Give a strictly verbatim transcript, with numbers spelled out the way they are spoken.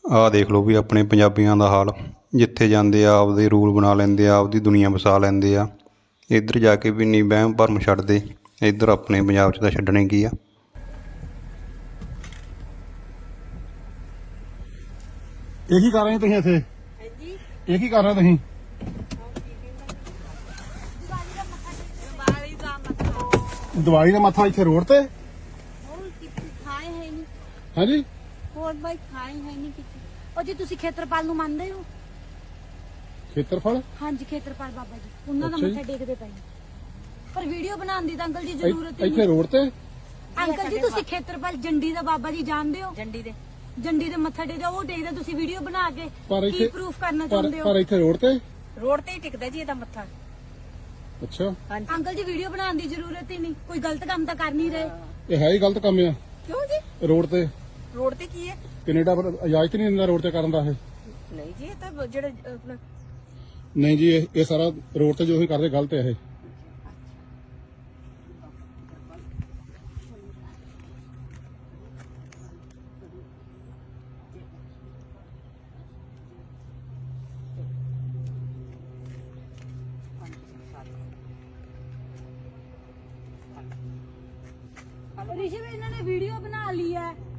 ਆਹ ਦੇਖ ਲਓ ਵੀ ਆਪਣੇ ਪੰਜਾਬੀਆਂ ਦਾ ਹਾਲ। ਜਿੱਥੇ ਜਾਂਦੇ ਆ ਆਪਦੇ ਰੂਲ ਬਣਾ ਲੈਂਦੇ ਆ, ਆਪਦੀ ਦੁਨੀਆ ਵਸਾ ਲੈਂਦੇ ਆ। ਇੱਧਰ ਜਾ ਕੇ ਵੀ ਨਹੀਂ ਵਹਿਮ ਭਰਮ ਛੱਡਦੇ। ਇੱਧਰ ਆਪਣੇ ਪੰਜਾਬ 'ਚ ਤਾਂ ਛੱਡਣੇ ਕੀ ਆ। ਇਹ ਕੀ ਕਰ ਰਹੇ ਤੁਸੀਂ ਇੱਥੇ? ਇਹ ਕੀ ਕਰ ਰਹੇ ਤੁਸੀਂ? ਦੀਵਾਲੀ ਦਾ ਮੱਥਾ ਇੱਥੇ ਰੋਡ ਤੇ? ਹਾਂਜੀ ਹੋਰ ਬਾਈ ਖਾਈ ਹੈ ਨਹੀਂ ਕਿਤੇ। ਉਹ ਜੀ ਤੁਸੀਂ ਖੇਤਰਪਾਲ ਨੂੰ ਮੰਨਦੇ ਹੋ? ਖੇਤਰਫਲ? ਹਾਂਜੀ ਖੇਤਰਪਾਲ ਬਾਬਾ ਜੀ, ਉਹਨਾਂ ਦਾ ਅੱਛਾ ਜੀ। ਮੱਥਾ ਟੇਕਦੇ ਪਏ ਨੇ। ਪਰ ਵੀਡੀਓ ਬਣਾਉਣ ਦੀ ਤਾਂ ਅੰਕਲ ਜੀ ਜ਼ਰੂਰਤ ਹੀ ਇੱਥੇ ਨਹੀਂ। ਰੋਡ ਤੇ? ਅੰਕਲ ਜੀ ਤੁਸੀਂ ਖੇਤਰਪਾਲ ਜੰਡੀ ਦਾ ਬਾਬਾ ਜੀ ਜਾਣਦੇ ਹੋ? ਜੰਡੀ ਦੇ ਜੰਡੀ ਦੇ ਮੱਥਾ ਟੇਕਦੇ ਉਹ ਟੇਕਦੇ, ਤੁਸੀਂ ਵੀਡੀਓ ਬਣਾ ਕੇ ਪਰ ਕੀ ਇੱਥੇ ਪ੍ਰੂਫ ਕਰਨਾ ਪਰ ਚਾਹੁੰਦੇ ਪਰ ਹੋ? ਇੱਥੇ ਰੋਡ ਤੇ? ਰੋਡ ਤੇ ਹੀ ਟਿਕਦਾ ਜੀ ਇਹਦਾ ਮੱਥਾ। ਅੱਛਾ, ਹਾਂਜੀ ਅੰਕਲ ਜੀ ਵੀਡੀਓ ਬਣਾਉਣ ਦੀ ਜ਼ਰੂਰਤ ਹੀ ਨਹੀਂ, ਕੋਈ ਗਲਤ ਕੰਮ ਤਾਂ ਕਰ ਨਹੀਂ ਰਹੇ। ਇਹ ਹੈ ਹੀ ਗਲਤ ਕੰਮ ਆ ਕਿਉਂ ਜੀ? ਰੋਡ ਤੇ। ਰੋਡ ਤੇ ਕੀ ਹੈ? ਕੈਨੇਡਾ ਪਰ ਇਜਾਜ਼ਤ ਨਹੀਂ ਦਿੰਦਾ ਰੋਡ ਤੇ ਕਰਨ ਦਾ ਇਹ। ਨਹੀਂ ਜੀ ਇਹ ਤਾਂ ਜਿਹੜੇ ਆਪਣਾ ਨਹੀਂ ਜੀ, ਇਹ ਇਹ ਸਾਰਾ ਰੋਡ ਤੇ ਜੋ ਹੀ ਕਰਦੇ ਗਲਤ ਹੈ ਇਹ। ਰਿਸ਼ਵ ਇਹਨਾਂ ਨੇ ਵੀਡੀਓ ਬਣਾ ਲਈ ਹੈ।